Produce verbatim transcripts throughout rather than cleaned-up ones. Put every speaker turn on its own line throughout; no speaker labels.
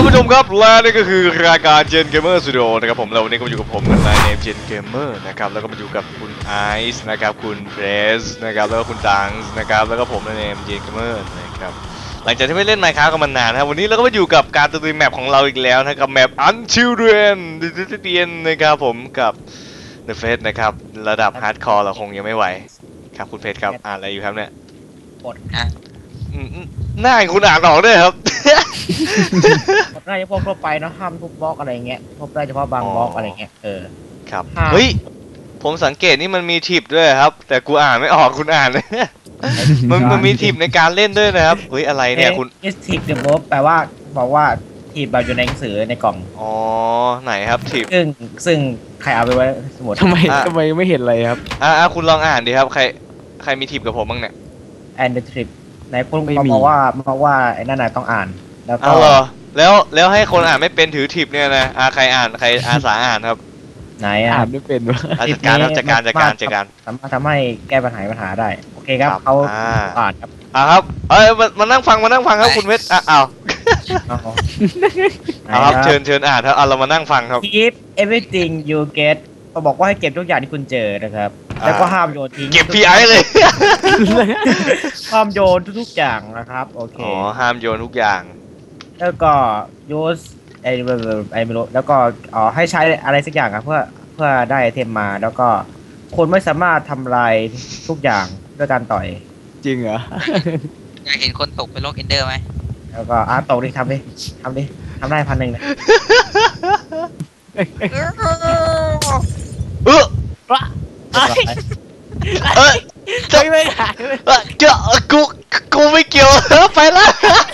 ผู้ชมครับและนี่ก็คือรายการ Gen Gamer Studio นะครับผมแล้ววันนี้ก็อยู่กับผมในเนม Gen Gamer นะครับแล้วก็มาอยู่กับคุณไอซ์นะครับคุณเพรสนะครับแล้วก็คุณดังส์นะครับแล้วก็ผมในเนม Gen Gamer นะครับหลังจากที่ไม่เล่น Minecraft กันมานานนะครับวันนี้เราก็มาอยู่กับการตีแมปของเราอีกแล้วนะครับแมป Unchildren นะครับผมกับ The Face นะครับระดับ Hardcore เราคงยังไม่ไหวครับคุณเพชรครับอ่านอะไรอยู่ครับเนี่ย
กดอ่ะ
หน้าคุณอ่านออกด้วยครับ
กดได้เฉพาะทั่วไปเนาะห้ามทุบบล็อกอะไรเงี้ยพบได้เฉพาะบางบล็อกอะไรเงี้ยเออ
ครับเฮ้ยผมสังเกตนี่มันมีทิปด้วยครับแต่กูอ่านไม่ออกคุณอ่านเลยมันมันมีทิปในการเล่นด้วยนะครับเฮ้ยอะไรเนี่ยคุณ
is tip the mob แปลว่าบอกว่าทิปแบบอยู่ในหนังสือในกล่อง
อ๋อไหนครับทิป
ซึ่งซึ่งใครเอาไปไว้สมุด
ทำไมทำไมไม่เห็นอะไรครับ
อ่าคุณลองอ่านดิครับใครใครมีทิปกับผมบ้างเนี่ย
and the trip ไหนคุณบอกว่าบอกว่าไอ้นั่นน่ะต้องอ่านแล้วก็
เหรอแล้วแล้วให้คนอ่านไม่เป็นถือทิปเนี่ยนะอ่าใครอ่านใครอาสาอ่านครับ
ไหนอ่
านไม่เป็นวะ
จัดการครับจัดการจัดการจัดการ
สามารถทำให้แก้ปัญหาปัญหาได้โอเคครับเขาอ่านครับ
อ่าครับเอ้ยมานั่งฟังมานั่งฟังครับคุณเพชรอ่ะอ้าวเอาครับเชิญเชิญอ่านครับเอาเรามานั่งฟังครับ
keep everything you get เขาบอกว่าให้เก็บทุกอย่างที่คุณเจอนะครับแล้วก็ห้ามโยนทิ้ง
เก็บ พี ไอ เลย
ห้ามโยนทุกๆอย่างนะครับโอเค
อ๋อห้ามโยนทุกอย่าง
แล้วก็ use ไอ้ไอ้ไม่รู้แล้วก็อ๋อให้ใช้อะไรสักอย่างครับเพื่อเพื่อได้ไอเทมมาแล้วก็คนไม่สามารถทำลายทุกอย่างด้วยการต่อย
จริงเหรอ
อยากเห็นคนตกเป็นโรคเอนเดอร์ไหม
แล้วก็อาร์ตตกดิทำดิทำดิทำได้พันหนึ่งนะ
เออเออจะไม่หายเจ้ากูกูไม่เกี่ยวไปแล้ว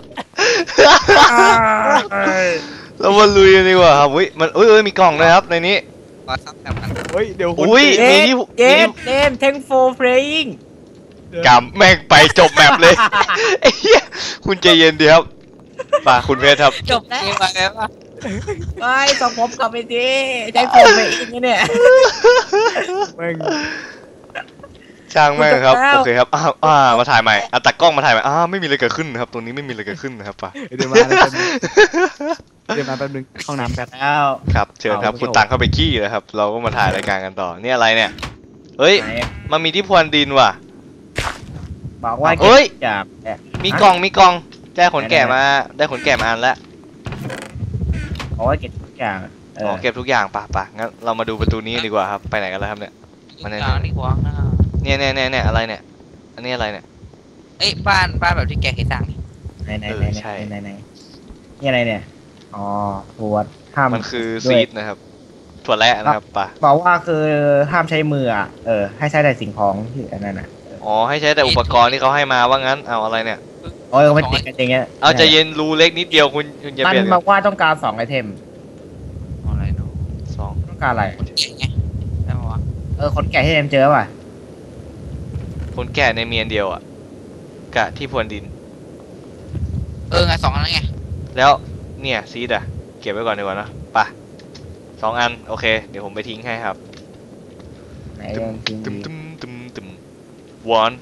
เรามาลุยกันดีกว่าครับอุ้ยมันอุ้ยมีกล่องนะครับในนี้
มาซับแบบนั้น
เฮ้ยเดี๋ยว
อุ้ยมีที่
เกมเกม thank for playing
กำแม่งไปจบแมปเลยคุณใจเย็นดีครับป่าคุณเพชรครับ
จบแล้ว
ไปแล้ว
ไปส่งผมกลับไปดิใจผมไปอีกเนี่ย
แม่ง
ช่างแม่งครับโอเคครับอ่ามาถ่ายใหม่อ่ะตัดกล้องมาถ่ายใหม่อ่าไม่มีอะไรเกิดขึ้นนะครับตรงนี้ไม่มีอะไรเกิดขึ้นนะครับป่า
เดี๋ยวมาเดี๋ยวมาแป๊บนึงห้องน้ำแป๊บ
แล้ว
ครับเชิญครับคุณตังเข้าไปขี้เลยครับเราก็มาถ่ายรายการกันต่อนี่อะไรเนี่ยเฮ้ยมันมีที่พรวนดินว่ะ
บอกว่า
เฮ้ยมีกล่องมีกล่องได้ขนแกะมาได้ขนแกะมาอันแล้ว
โอ้ยเก็บทุกอย่าง
อ๋อเก็บทุกอย่างป่ะป่ะงั้นเรามาดูประตูนี้ดีกว่าครับไปไหนกันแล้วครับเนี่ย
มาเนี่ย
เนี่ยเนี่ยเนี่ยเนี่ยอะไรเนี่ยอันนี้อะไรเนี่ย
เอ้ยบ้านบ้านแบบที่แกเคยสร้างนี่
ไหนไหนไหนไหนไหนไหนนี่อะไรเนี่ยอ๋อถั่วห้าม
มันคือซีดนะครับถั่วแระนะครับป่ะ
บอกว่าคือห้ามใช้มืออ่ะเออให้ใช้แต่สิ่งของที่อันนั้นอ่ะ
อ๋อให้ใช้แต่อุปกรณ์ที่เขาให้มาว่างั้นเอาอะไรเนี่ย
โอ้ยมันติดกันอย่างเงี้ย
เอาจะเย็นรูเล็กนิดเดียวคุณคุณจะเปลี่ยน
มันบอกว่าต้องการสองไอเทม
อะไรเนาะ
สอง
ต้องการอะไร
ไงได้ไหมวะ
เออคนแก่ที่เอ็มเจอป่ะ
คนแก่ในเมียนเดียวอ่ะกะที่พรวนดิน
เออไงสองอันไง
แล้วเนี่ยซีดอ่ะเก็บไว้ก่อนดีกว่านะป่ะสองอันโอเคเดี๋ยวผมไปทิ้งให้ครับตึมตึมตึมตึมตึม one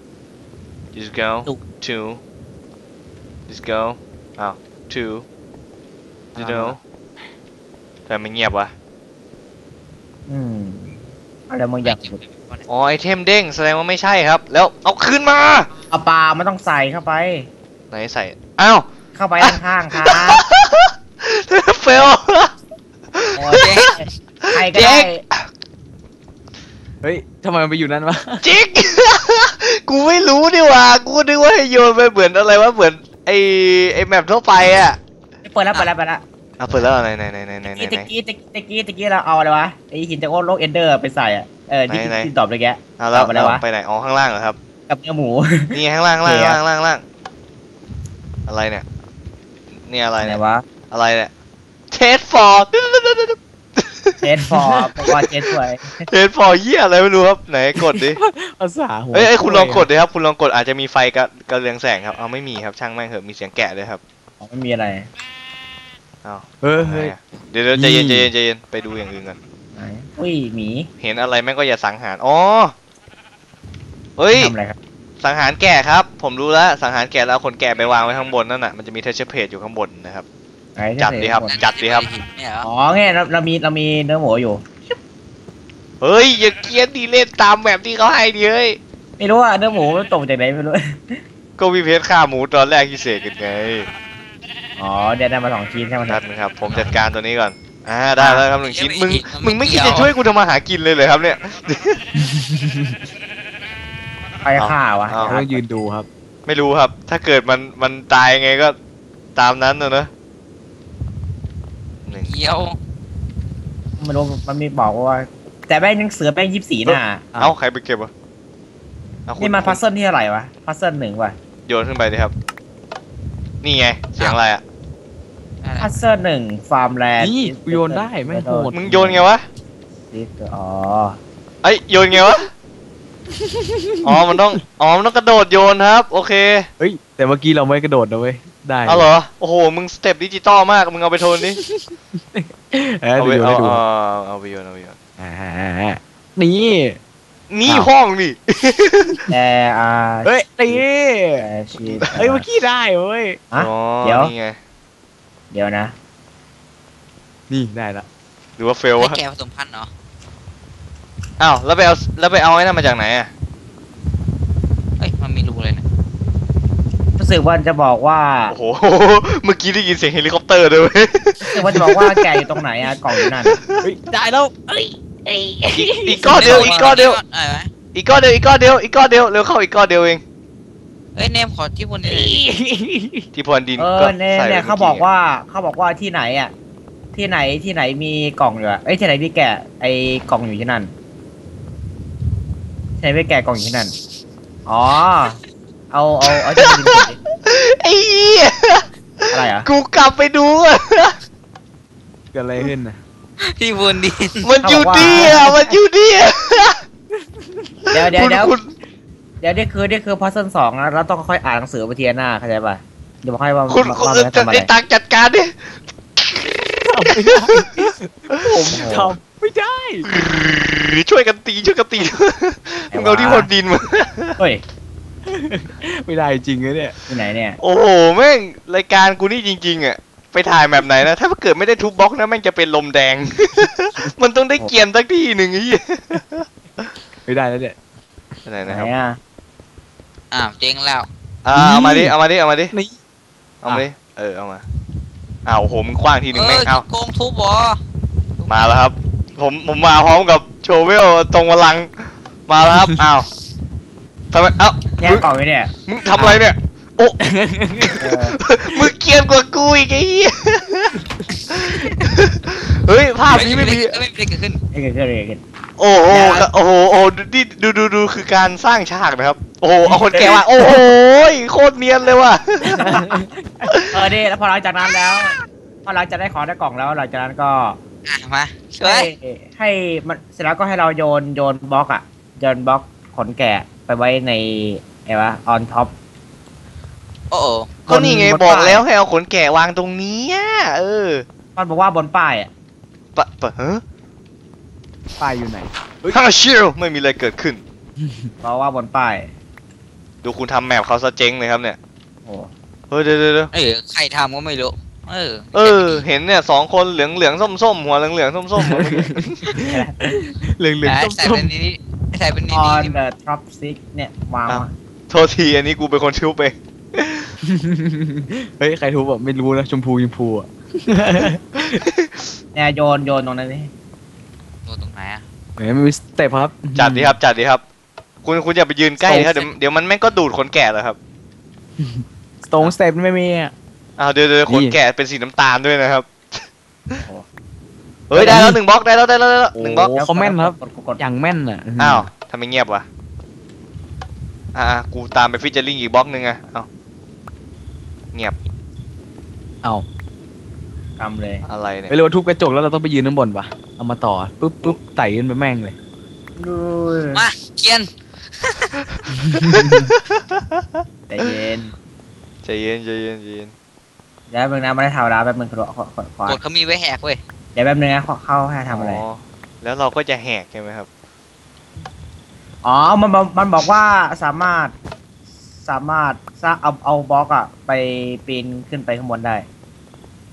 just go two just go อ้าว two you know แต่ไม่เงียบวะ
อืมอะไรบางอย่าง
อ๋อไอเทมเด้งแสดงว่าไม่ใช่ครับแล้วเอาขึ้นมา
เอาปลาไม่ต้องใส่เข้าไป
ไหนใส่อ้าว
เข้าไปข้างๆครับ
เฟล
ใครก็ได้
เฮ้ยทำไมมันไปอยู่นั่นวะ
จิ๊กกูไม่รู้ดิว่ะกูนึกว่าให้โยนไปเหมือนอะไรวะเหมือนไอไอแมปทั่วไปอ่ะ
เปิดแล้วเปิดแล้วเปิดแล้ว
อ่ะเปิดแล้วไหนไหนไหนไหนไหน
ตะกี้ตะกี้ตะกี้ตะกี้เราเอาอะไรวะไอหินจากโลกเอนเดอร์ไปใส่อ่ะเออที่ที่ตอบเลยแก
เอาแล้วไปไหนอ๋อข้างล่างเหรอครับ
กับเนื้อหมู
นี่ข้างล่างล่างล่างล่างล่างอะไรเนี่ยนี่อะไรเนี่ยวะอะไรเนี่ยเทสฟอร์
เทสฟอร์บอกว่าเทสสวย
เทสฟอร์เหี้ยอะไรไม่รู้ครับไหนกดดิ
ภาษาหัว
เอ้ยคุณลองกดดิครับคุณลองกดอาจจะมีไฟกระกระเรืองแสงครับเอาไม่มีครับช่างแม่งเหอะมีเสียงแกะด้วยครับ
อ๋อไม่มีอะไร
อ้าวเฮ้ยเดี๋ยวใจเย็นใจเย็นใจเย็นไปดูอย่างอื่นกัน
อุ้ยหมี
เห็นอะไรแม่งก็อย่าสังหารอ๋อเฮ้ย
ทำอะไรครับ
สังหารแกะครับผมรู้แล้วสังหารแกะแล้วคนแกะไปวางไว้ข้างบนนั่นน่ะมันจะมีเทเชอร์เพจอยู่ข้างบนนะครับ
ไหนที่
จัดดีครับ
เสก
จัดดิครับ
เนี่ยเหรอ
อ๋อไงเราเรามีเรามีเนื้อหมูอยู่
เฮ้ยอย่าเกรียนดีเล่นตามแบบที่เขาให้ดิเฮ้ย
ไม่รู้ว่าเนื้อหมูมันตกจากไหนไม่รู้
ก็วิเพชรฆ่าหมูตอนแรกที่เสกกันไง
อ๋อเดี๋ยวได้มาสองชิ้นใช่ไหม
นัดนะครับผมจัดการตัวนี้ก่อนอ่าได้แล้วครับหนึ่งชิ้นมึงมึงไม่คิดจะช่วยกูทำมาหากินเลยเลยครับเนี่ย
ใครฆ่าวะ
เอา
ต้องยืนดูครับ
ไม่รู้ครับ ถ้าเกิดมันมันตายไงก็ตามนั้นนะเนอะหนึ่ง
เยี่ยว
ไม่รู้มันมีบอกว่า แต่แม่งยังเสือแม่งยี่สิบสี่หน้า
เอ้าใครไปเก็บวะเอาคุณ
นี่มาพัซเซิลที่เท่าไหร่วะพัซเซิลหนึ่งว่ะ
โยนขึ้นไปดิครับ นี่ไงเสียงอะไรอ่ะ
อะไร
พัซเซิลหนึ่งฟาร์มแลนด์
นี่กูโยนได้แม่งโหด
มึงโยนไงวะ
อ๋อ
ไอยโยนไงวะอ๋อมันต้องอ๋อมันต้องกระโดดโยนครับ โอเค
เฮ้ยแต่เมื่อกี้เราไม่กระโดดนะเว้ยได้
เอาเหรอโอ้โหมึงสเต็ปดิจิตอลมากมึงเอาไปโทนดิ
เออ
เอา
ดู
ไป
ดู
เอา
ดู
เอาเอาไปโยนเอาไปโยน
อ่านี่
นี่
อ้าว
ห้องนี่
แต่อ่า
เฮ้ยนี่
แต่ชีส
เฮ้ยเมื่อกี้ได้เว้ย
อ่ะ
อ๋อ
เดี๋ยว
นี่ไง
เดี๋ยวนะ
นี่ได้ละ
หรือว่าเฟล
ให้
วะ
แกผสมพันธุ์เนาะ
อ้าวแล้วไปเอาแล้วไปเอาไอ้นั่นมาจากไหนอ่ะ
เอ้ยมันมีรูเลยนะ
รู้สึกว่าจะบอกว่า
โอ้โหเมื่อกี้ได้ยินเสียงเฮลิคอปเตอร์ด้วยเว้ย
รู้สึกว่าจะบอกว่าแกอยู่ตรงไหนอะกล่องอยู่นั่น
เฮ้ยได้แล้ว
อีกก้อนเดียวอีกก้อนเดียว
อะไรวะ
อีกก้อนเดียวอีกก้อนเดียวอีกก้อนเดียวเร็วเข้าอีกก้อนเดียวเอง
เอ้ยเนมขอที่บนนี้
ที่พรวนดิน
เอ
ก็
อเนี่ย
ใส่
เนี่ย
ไว้
เขาบอกว่าเขาบอกว่าที่ไหนอะที่ไหนที่ไหนมีกล่องอยู่อะเอ้ยที่ไหนมีแกะไอ้กล่องอยู่ที่นั่นที่ไหนมีแกะกล่องอยู่ที่นั่นอ๋อเอาเอาเอาที่ดินก่อนดิ
ไอ้เหี้ย
อะไรอะ
กูกลับไปดูอะ
เกิดอะไรขึ้นนะ
ที่บนดิน
มันอยู่ดีอะมันอยู่ดีอะ
เดี๋ยวเดี๋ยวเดี๋ยว
คุณ
เดี๋ยวนี่คือนี่คือพัซเซิลสองนะเราต้องค่อยอ่านหนังสือไปทีละหน้าเข้าใจป่ะเดี๋ยวบอกให้ว่า
คุณ
ว่า
คุณ
ว่ามัน
จะ
ทำอะไร
ไอ้ตักจัดการดิ
ทำไม่ได้ผมทำไม่ได้
ช่วยกันตีช่วยกันตีมึงเอาที่พรวนดินมา
เฮ้ย
ไม่ได้จริงเลยเนี่ย
ที่ไหนเนี่ย
โอ้โหแม่งรายการกูนี่จริงๆอะไปถ่ายแบบไหนนะถ้าเกิดไม่ได้ทุบบล็อกนะแม่งจะเป็นลมแดง มันต้องได้เกียนสักที่หนึ่งไอ้เหี้ย
ไม่ได้แล้วเนี่ย
ไหน
ไหน
นะครับ
อ่ะ
อ้าวเจ๊งแล้ว
อ่าเอามาดิเอามาดิเอามาดิ
นี่
เอามาดิเออเอามาอ้าวโอ้โหมึงคว้างทีหนึ่ง
เอ
แม่ง
อ
เอา
โกงทุบเหรอ
มาแล้วครับ ผมผมมาพร้อมกับโชเวลตรงพลังมาแล้วครับอ้าวทำไมเอ้า
แย่งกล่องไว้เนี่ย
มึงทำอะไรเนี่ยโอ้
เออ
มึงเกรียนกว่ากูอีกไอ้เหี้ยเฮ้ยภาพนี้ไม่มี
เอ้ยไม่มีอะไรเกิดขึ้น
ไอ้เกิดขึ้นอะไรขึ้น
โอ้โหโอ้โหโอ้โหนี่ดูดูดูคือการสร้างฉากนะครับ โอ้โหเอาคนแก่ว่าโอ้โหโคตรเนียนเลยว่ะ
เออนี่แล้วพอหลังจากนั้นแล้ว พอหลังจากได้ของได้กล่องแล้วหลังจากนั้นก็
อ่ะมาช่ว
ให้
ย
ให้มันเสร็จแล้วก็ให้เราโยนโยนบล็อกอ่ะโยนบล็อกขนแกะไปไว้ในไอ้วะออนท็อป
โอ้โห
ก็นี่ไงบอกแล้วให้เอาขนแกะวางตรงนี้อ่ะเออ
มันบอกว่าบนป้ายอ่ะ
ปะปะเฮ้ย
ป้ายอยู่ไหน
ฮ่าชิลไม่มีอะไรเกิดขึ้น
บอกว่าบนป้าย
ดูคุณทำแมปเขาซะเจ๊งเลยครับเนี่ย
โอ้
เฮ้ยเดี๋ยวเดี๋ยวเดี๋ยว
เออใครทำก็ไม่รู้เออ
เออ เห็นเนี่ยสองคนเหลืองเหลืองส้มส้มๆหัวเหลืองเหลืองส้มส้มๆ
เหลืองเหลือง
ไอ้
ส้
ใส่
ม
เป็นนี้ใส่เป็นนี้
ออน
นี่
เดอะท็อปซิกเนี่ยวาง
อ้าว
มา
โทษทีอันนี้กูเป็นคนชิวไป
เฮ้ยใครทุบแบบไม่รู้นะชมพูชมพูอ่ะ
เนี่ยโยนโยนตรงนั้นนี่
ตัวตรงไหนอ่ะ
เฮ้ยมันมีสเต็ปครับ
จัดดีครับจัดดีครับ คุณคุณอย่าไปยืนใกล้นะครับเดี๋ยวเดี๋ยวมันแม่งก็ดูดขนแกะเลยครับ
ตรงสเต็ปไม่มีอ่ะ
อ้าวเดี๋ยวเดี๋ยวขน
นี่
แกะเป็นสีน้ำตาลด้วยนะครับเฮ้ยได้แล้วหนึ่งบล็อกได้แล้วได้แล้วได้แล้วหนึ่งบล็อก
โอ้เขาแม่นครับ
กดกดกด
อย่างแม่นอ่ะ
อ้าวทำไมเงียบวะอ่ากูตามไปฟิชเจอริงอีกบล็อกหนึ่งอะเอ้าเงียบ
เอา
กำเลย
อะไรเนี่ย
ไปเรียกว่าทุบกระจกแล้วเราต้องไปยืนข้างบนปะเอามาต่อปุ๊บปุ๊บไต่ขึ้นไปแม่งเลย
ดู
มาเกียน
ใจเย็น
ใจเย็นใจเย็นใจเย็น
เดี๋ยวแป๊บนึงนะไม่ได้ทำแล้วแป๊บนึงขอขอขอขอก
ดเขามีไว้แหกเว้ย
เดี๋ยวแป๊บนึงนะขอเข้าให้ทำอะไร
แล้วเราก็จะแหกใช่ไหมครับ
อ๋อ มันมันมันบอกว่าสามารถสามารถสร้างเอาเอาบล็อกอะไปปีนขึ้นไปข้างบนได้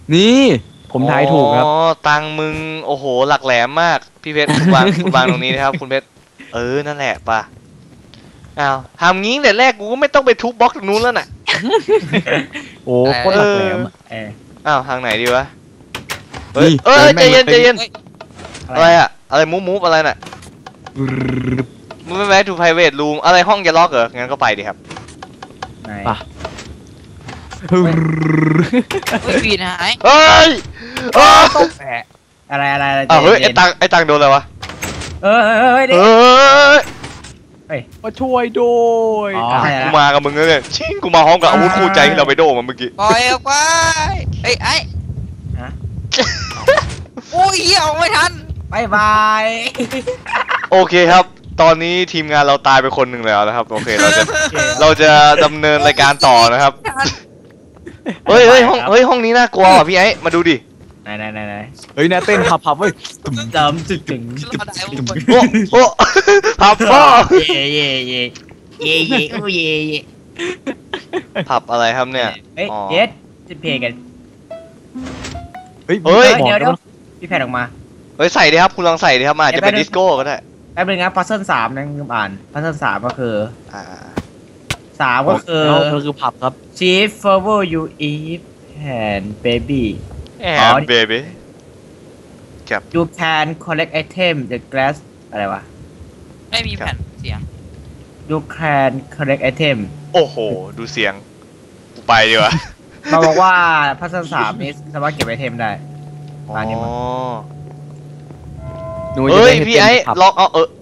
นี่ผมทายถูกครับ
อ๋อตังมึงโอ้โหหลักแหลมมากพี่เพชรคุณวางคุณวางตรงนี้นะครับคุณเพชรเออนั่นแหละป่ะอ้าวทำงี้แต่แรกกูก็ไม่ต้องไปทุบบล็อกตรงนู้นแล้วน่ะ
โอ้โคตรหลักแหลมอะ
เออ
อ้าวทางไหนดีวะเฮ้ย
นี่
เอ้ยใจเย็นใจเย็น
เฮ้ย
อะไรอะอะไรมูฟมูฟอะไรน่ะมึงไม่แวะทูไพรเวทรูมอะไรห้องจะล็อกเหรองั้นก็ไปดิครับ
ไหน
ป่ะ
เฮ้ยปีนหาย
เฮ้ยเอ้ย
ต้องแปะ
อะไรอะไรอะไร
อ้าวเฮ้ย
ใจ
ไอ้ตังไอ้ตังโดนอะไรวะ
เออเออเออเออ
เฮ
เดี๋ยว้
ย
มาช่วยด้วย
อ๋อ
อ่ะ
ใช่
กูมากับมึงเลยชิงกูมาพร้อมกับอาวุธคู่ใจที่เราไปโดมาเมื่อกี้
ปล่อยออกไปเฮ้ยไอ้
ฮะ
โอ้ยเหี้ยออกไม่ทัน
บายบาย
โอเคครับ ตอนนี้ทีมงานเราตายไปคนหนึ่งแล้วนะครับโอเคเราจะเราจะดำเนินรายการต่อนะครับเฮ้ยเฮ้ยห้องเฮ้ยห้องนี้น่ากลัวว่ะพี่ไอ้มาดูดิ
ไหนไหนไหนไหน
เฮ้ยน่าเต้นพับพับเว้ย
จำจุดถึง
รอดได้ทุกคน
โอ้โอ้ผับพ่อ
เย่เย่เย่เย่เย่อู้เย่เย่
ผับอะไรครับเนี่ย
เฮ้ย
อ๋อ
เย็ดจะเพลงกัน
เฮ้ย
เฮ้ย
บอก
เดี๋ยว
แล้
เดี๋ยว วพี่แพทย์ออกมา
เฮ้ยใส่ดิครับคุณลองใส่ดิครับมาอาจจะเป็น
เดี๋ยวไป
ดิสโก้ก็ได้
แป๊บนึงนะพัซเซิลสามนะลืมอ่านพัซเซิลสามก็คือ
อ่า
สามก็คือ
แล้วก็คือผับครับ
Chief Favor You Eat and Baby
แอ
อ๋อ
มเบบี้
You can collect item the glass อะไรวะ
ไม่มีแผ่นเสียง
You can collect item
โอ้โหดูเสียงกูไปดีกว่า
มาบอกว่าพัซเซิลสามนี้สามารถเก็บไอเทมได้
อ๋
มานี่มา
อ
หนูจะ
เฮ้ย
ได้
พี่ไอ้
เต้นผับ
ลองเอาเออ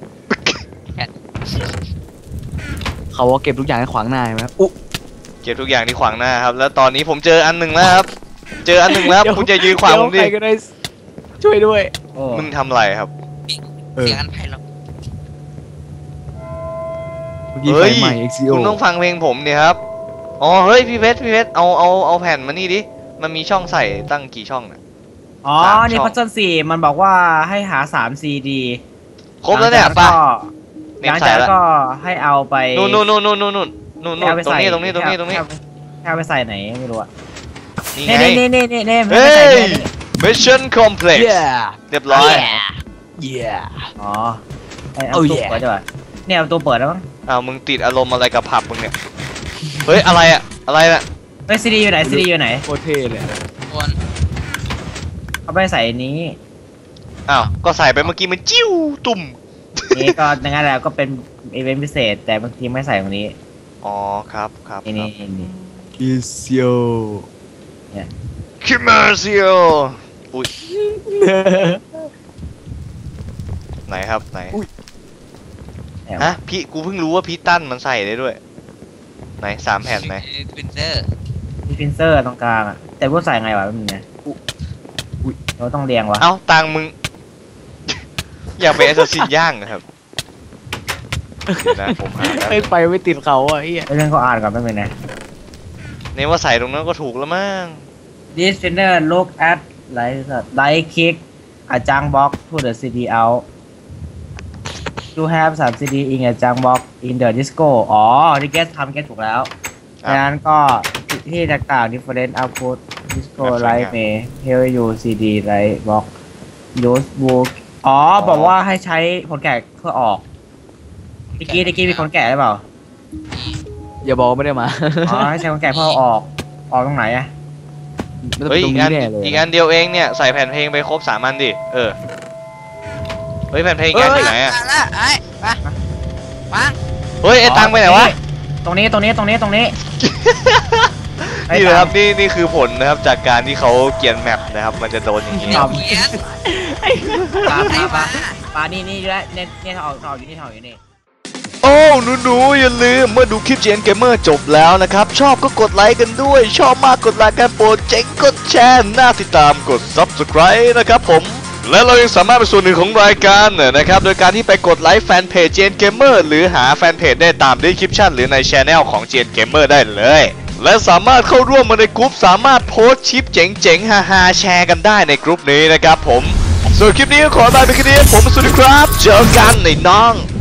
เขาว่าเก็บทุกอย่างให้ขวางหน้าใช่ไหมอุ๊
เก็บทุกอย่างที่ขวางหน้าครับแล้วตอนนี้ผมเจออันหนึ่งแล้วครับเจออันหนึ่งแล้วคุณจะยืนขวางผมดิ
เดี๋ยใครก็ได้ช่วยด้วย
โอ้
มึงทำอะไรครับ
เออ
เสียงอันไพเราะ
เมื่อกี้
เฮ้
ไฟ
ย
ใหม่ เอ็กซ์ ซี โอ
คุณต้องฟังเพลงผมเนี่ยครับอ๋อเฮ้ยพี่เพชรพี่เพชรเอาเอาเอาแผ่นมานี่ดิมันมีช่องใส่ตั้งกี่ช่องน่ะ
อ๋อ
สาม
นี่
ช่อง
พัซเซิลสี่มันบอกว่าให้หาสามซีดี
ครบแล้วเนี่ยป่ะ
ห
เน็
ลั
ต
ง
ใส่
จาก
แล้ว
นั้นก็ให้เอาไป
นู่นนู่นนู่นนู่นนู่นนู่นนู่น
ให้เอาไป
ตรง
ใส่
นี้ตรงนี้ตรงนี้ตรงนี้
ให้เอาไปใส่ไหนไม่รู้อะ
นี่
เน่
ไง
เน่เน่เน่เน่
เฮ้ย
ให้ไปใส่นี่
Mission Complex
เย้
เรียบร้อย
เย้
อ๋อไอ้เอา
Oh
ตู้
yeah
เปิดด้วยวะเนี่ยเอาตัวเปิดแล้วมั้ง
อ้าวมึงติดอารมณ์อะไรกับผับมึงเนี่ยเฮ้ยอะไรอะอะไรน่ะ
เฮ้ยซีดีอยู่ไหนซีดีอยู่ไหน
โคตรเท่เลย
คน
เอาไปใส่นี้
อ้าวก็ใส่ไปเมื่อกี้มันจิ้วตุ่ม
นี่ก็งั้นแหละก็เป็นอีเวนต์พิเศษ แต่บางทีไม่ใส่ตรงนี้
อ๋อครับครับ
นี่นี่นี่
อิเซียว
คิมเมอร์ซิโออุ้ยไหนครับไหน
แอบ
ฮะพี่กูเพิ่งรู้ว่าพี่ตั้นมันใส่ได้ด้วย ไหนสามแผ่นไหน
เป็นเซอร์
มีฟินเซอร์ตรงกลางอะแต่ว่าใส่ไงวะมันไงอุ้ยเราต้องเรียงวะ
เอ้าตังมึง อยากไปแอสซัสซินย่างนะครับเดี๋ยวนะผมหาแล้ว
ไม่ไปไม่ติดเขาอ่ะไอ้เหี้ย
เรื่องเขาอ่านก่อนแป๊บนึงนะ
เนี่ยว่าใส่ตรงนั้นก็ถูกแล้วมั้ง
This trainer look at like like kick a junk box to the ซี ดี out you have สาม ซี ดี in a junk box in the disco อ๋อที่เกสทำเกสถูกแล้วดังนั้นก็ที่ต่างๆ different output disco light may help you ซี ดี light box use book อ๋อบอกว่าให้ใช้คนแกะเพื่อออกตะกี้ตะกี้มีคนแกะหรือเปล่า
อย่าบอกว่าไม่ได้มา
อ๋อให้ใช้คนแกะเพื่อเอาออกออกตรงไหนอะ
มันจะ
เฮ้
เป็
ย
นตร
อี
ง
กอัน
นี้แน่เลย
อีกอันเดียวเองเนี่ยใส่แผ่นเพลงไปครบสามอันดิเออเฮ้ยแผ่นเพลงอีกอันอยู่ไหนอะ
มาละไอ้มามา
เฮ้ยไอ้ตังไปไหนวะ
ตรงนี้ตรงนี้ตรงนี้ตรงนี้
นี่นะครับนี่นี่คือผลนะครับจากการที่เขาเกียนแมปนะครับมันจะโดนอย่างนี้
เดี๋ยวเขียน
ปลาป
ไอ้
ลาปลา
มา
ปลานี่นี่ด้วยเนี่ยเนี่ยถอดถอดอยู่นี่ถอดอยู่นี่
โอ้หนูๆอย่าลืมเมื่อดูคลิป จี เอ็น Gamer จบแล้วนะครับชอบก็กดไลค์กันด้วยชอบมากกดไลค์กันโปรดเจ๋งกดแชร์น่าติดตามกด Subscribe นะครับผมและเรายังสามารถเป็นส่วนหนึ่งของรายการนะครับโดยการที่ไปกดไลค์แฟนเพจ จี เอ็น Gamer หรือหาแฟนเพจได้ตาม description หรือใน Channel ของ จี เอ็น Gamer ได้เลยและสามารถเข้าร่วมมาในกลุ่มสามารถโพสต์คลิปเจ๋งๆฮาๆแชร์กันได้ในกลุ่มนี้นะครับผมส่วนคลิปนี้ก็ขอลาไปแค่นี้ผมสวัสดีครับเจอกันในน้อง